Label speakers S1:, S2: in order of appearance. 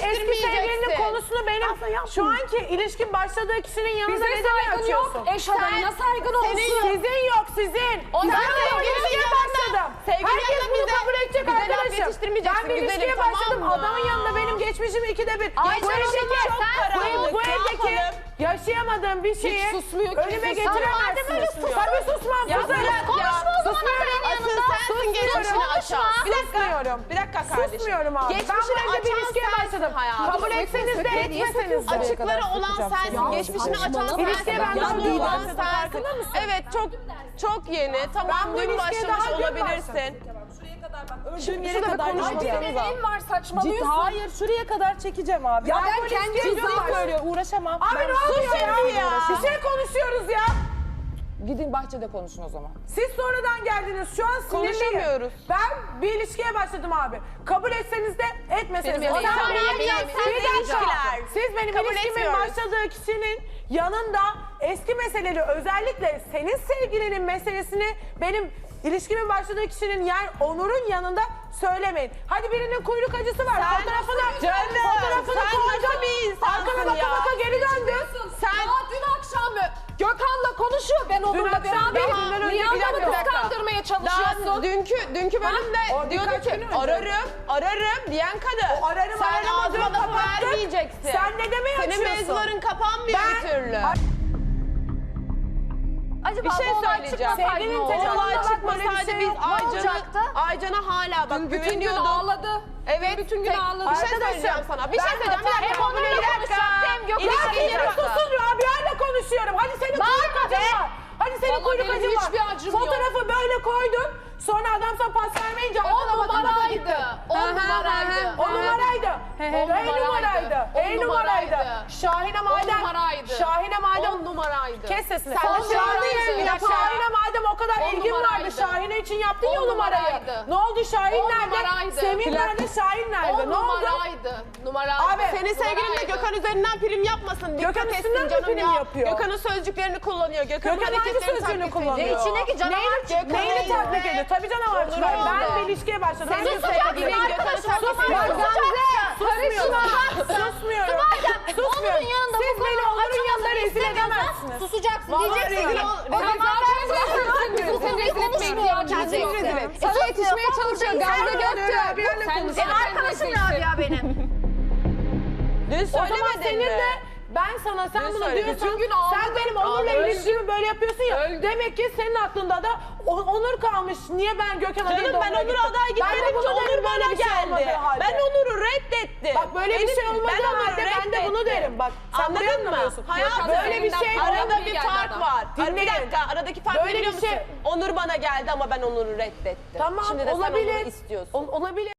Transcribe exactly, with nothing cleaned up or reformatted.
S1: eski sevgilinin konusunu benim şu anki ilişkin başladığı kişinin yanında
S2: bize
S1: neden açıyorsun?
S2: Yok. Eş adamına saygın olsun.
S1: Sizin yok sizin.
S3: Ondan
S1: Ben bir ilişkiye başladım. Herkes bunu kabul edecek arkadaşım. Ben bir ilişkiye başladım. Adamın yanında benim geçmişim ikide bir. Bu evdeki çok karanlık. Bu evdeki yaşayamadığım bir şeyi önüme getiremezsiniz. Tabii susmam.
S3: Konuşma o zaman benim yanımda.
S1: Asıl sensin geçmişini açan.
S3: Bir dakika.
S1: Bir dakika kardeşim. Susmuyorum abi. Ben bu evde bir ilişkiye başladım. Kabul etseniz de etmeseniz de.
S3: Açıkları olan sensin. Geçmişini açan sensin.
S1: İlişkiye ben
S3: Yanında
S1: daha
S3: olan
S1: iyi
S3: sensin. Evet çok çok yeni. Tamam
S1: Ben bu
S3: dün
S1: ilişkiye
S3: başlamış
S1: daha dün
S3: olabilirsin.
S2: Öldüğüm yere kadar konuşacağım. Neyin var saçmalıyorsun.
S4: Hayır şuraya kadar çekeceğim abi.
S2: Ya ben kendi
S4: ciddi söylüyor uğraşamam.
S1: Abi ne oluyor ya? Bir şey konuşuyoruz ya.
S4: Gidin bahçede konuşun o zaman.
S1: Siz sonradan geldiniz. Şu an sinirliyim.
S3: Konuşamıyoruz.
S1: Ben bir ilişkiye başladım abi. Kabul etseniz de etmeseniz de.
S3: Benim
S1: O
S3: elim-
S1: zaman
S3: benim
S1: bir
S3: elim-
S1: dakika.
S3: benim
S1: Bir dakika.
S3: ilişkiler.
S1: Siz benim
S3: Kabul
S1: ilişkimin
S3: etmiyoruz.
S1: başladığı kişinin yanında eski meseleleri, özellikle senin sevgilinin meselesini benim ilişkimin başladığı kişinin, yani Onur'un yanında söylemeyin. Hadi birinin kuyruk acısı var.
S3: Sen
S1: fotoğrafını,
S3: canım,
S1: fotoğrafını
S3: sen
S1: koydun.
S3: nasıl bir insansın
S1: Arkana baka
S3: ya?
S1: baka geri döndün.
S2: Sen Aa, dün akşam Gökhan'la konuşuyor. Ben onunla
S1: akşam değil,
S2: beraberim.
S1: dünden önce
S2: Niye
S1: bir dakika,
S2: adamı
S1: bir dakika.
S2: kıskandırmaya
S3: Daha
S2: çalışıyorsun?
S3: dünkü dünkü bölümde
S1: O
S3: diyordu
S1: birkaç
S3: ki
S1: gün önce.
S3: ararım ararım diyen kadın.
S1: O ararım,
S3: Sen
S1: ararım,
S3: ağzıma
S1: ararım,
S3: lafı
S1: kapattın.
S3: vermeyeceksin.
S1: Sen ne demeye
S3: Senin
S1: açıyorsun?
S3: mevzuların kapanmıyor
S1: Ben-
S3: bir türlü.
S2: Acaba
S3: Bir şey
S2: bu olay
S3: söyleyeceğim.
S2: çıkmasaydı
S1: Sevgilinin
S2: ne olurdu?
S1: tecrübesi-
S3: Olay
S1: Bak, böyle bir
S3: çıkmasaydı
S1: şey
S3: biz
S1: yok. Ne
S3: Aycan'a
S2: olacaktı?
S3: Aycan'a hala bak
S2: Dün bütün gün
S3: güveniyorduk.
S2: ağladı.
S3: Evet.
S2: Bütün gün
S3: tek-
S2: ağladı.
S3: Bir şey
S1: Arkadaşım,
S3: söyleyeceğim sana. Bir
S1: ben
S3: şey söyleyeceğim. Bir
S1: hata-
S3: dakika.
S2: Hem onunla
S3: Bir dakika.
S2: konuşacaktı, hem Gökhan'la
S1: Ya
S3: İlişkiyi
S1: bir
S3: bırak.
S1: susun Rabia'yla konuşuyorum. Hadi senin kuyruk acın var. Hadi senin
S2: Vallahi
S1: kuyruk
S2: benim
S1: acın var.
S2: hiçbir acım yok.
S1: Fotoğrafı böyle koydun. Sonra adam sana pas vermeyince
S2: On
S1: arkana baka baka
S2: numaraydı.
S1: gitti.
S2: On numaraydı.
S1: O numaraydı.
S2: he,
S1: O numaraydı.
S2: on
S1: Ey numaraydı.
S2: numaraydı.
S1: Şahine madem.
S2: numaraydı.
S1: Şahine madem.
S2: On numaraydı.
S1: Kes sesini.
S2: Sen
S1: Sen
S2: de Şahine'ye bir dakika.
S1: Şahine madem o kadar
S2: On
S1: ilgin vardı.
S2: numaraydı.
S1: Şahine için yaptın ya
S2: On
S1: o numarayı.
S2: numaraydı.
S1: Ne oldu Şahin
S2: On
S1: nerede?
S2: numaraydı.
S1: Semih
S2: Plak-
S1: nerede? Şahin nerede?
S2: On
S1: Ne oldu?
S2: numaraydı. Numaraydı.
S1: Abi,
S3: Senin sevgilin de
S2: Numaraydı.
S3: Gökhan üzerinden prim yapmasın. Dikkat
S1: Gökhan
S3: etsin
S1: üstünden mi
S3: canım
S1: prim
S3: ya.
S1: yapıyor?
S3: Gökhan'ın sözcüklerini kullanıyor. Gökhan'ın
S1: Gökhan hangi
S3: hareketlerini
S1: sözcüğünü
S3: taklit
S1: kullanıyor?
S3: ediyor.
S2: İçine ki canavar
S1: Neyini,
S2: Gökhan
S1: neyini
S2: neydi?
S1: taklit ediyor? Tabii canavar
S3: Olur
S1: çıkar.
S3: öyle.
S1: Ben bir ilişkiye başladım.
S3: Senin
S1: Herkes
S3: sevgilin
S1: taklit ediyor.
S3: Gökhan'ı taklit
S1: Susmuyorum.
S3: ediyor.
S1: Susmuyorum. Susmuyorum. Susmuyorum.
S5: Onur'un yanında
S1: Siz
S5: bu
S1: beni
S5: konuyu
S1: Onur'un yanında
S5: açamadığını
S1: rezil
S5: istemiyorsan
S1: edemezsiniz.
S5: susacaksın.
S3: Vallahi
S5: Diyeceksin
S3: rezil
S5: ki
S3: ol-
S5: o
S3: rezil-
S5: zaman ben
S2: Sen
S5: bu konuyu konuşmuyorum
S2: ihtiyacımız yok.
S5: kendisi.
S2: Sana yetişmeye çalışıyor. Gamze Göktürk.
S1: Rabia'yla
S2: Sen
S1: konuşuyor.
S5: E arkadaşım Rabia benim.
S3: Dün
S1: O zaman
S3: söylemedin
S1: senin
S3: mi?
S1: de ben sana sen
S3: Ne
S1: bunu
S3: söyledin?
S1: diyorsan
S2: Bütün gün ağladı.
S1: sen benim Onur'la
S3: Ağladı.
S1: ilişkimi böyle yapıyorsun ya.
S2: Öldü.
S1: Demek ki senin aklında da o- Onur kalmış. Niye ben Gökhan'a değil de
S3: Canım ben
S1: Onur'a
S3: Onur'a
S1: gittim?
S3: aday
S1: Ben de
S3: gitmedim ki
S1: bunu
S3: Onur
S1: derim,
S3: bana
S1: böyle bir şey olmadığı
S3: geldi.
S1: halde.
S3: Ben Onur'u reddettim.
S1: Bak böyle bir
S3: Benim-
S1: şey olmadığı
S3: ben Onur'u
S1: halde ben de bunu
S3: reddettim.
S1: derim. Bak sen burayı
S3: Anladın mı?
S1: anlamıyorsun.
S3: Hayat
S2: Gökhan
S3: böyle bir şey.
S2: üzerinden
S3: Arada
S2: falan
S3: bir
S2: geldi
S3: fark
S2: adam.
S3: var. Ar- Bir
S1: Dinleyin.
S3: dakika aradaki fark
S1: Böyle
S3: biliyor
S1: bir
S3: musun?
S1: şey-
S3: Onur bana geldi ama ben Onur'u reddettim.
S1: Tamam
S3: Şimdi de sen
S1: olabilir.
S3: Onur'u istiyorsun.
S1: Ol- olabilir.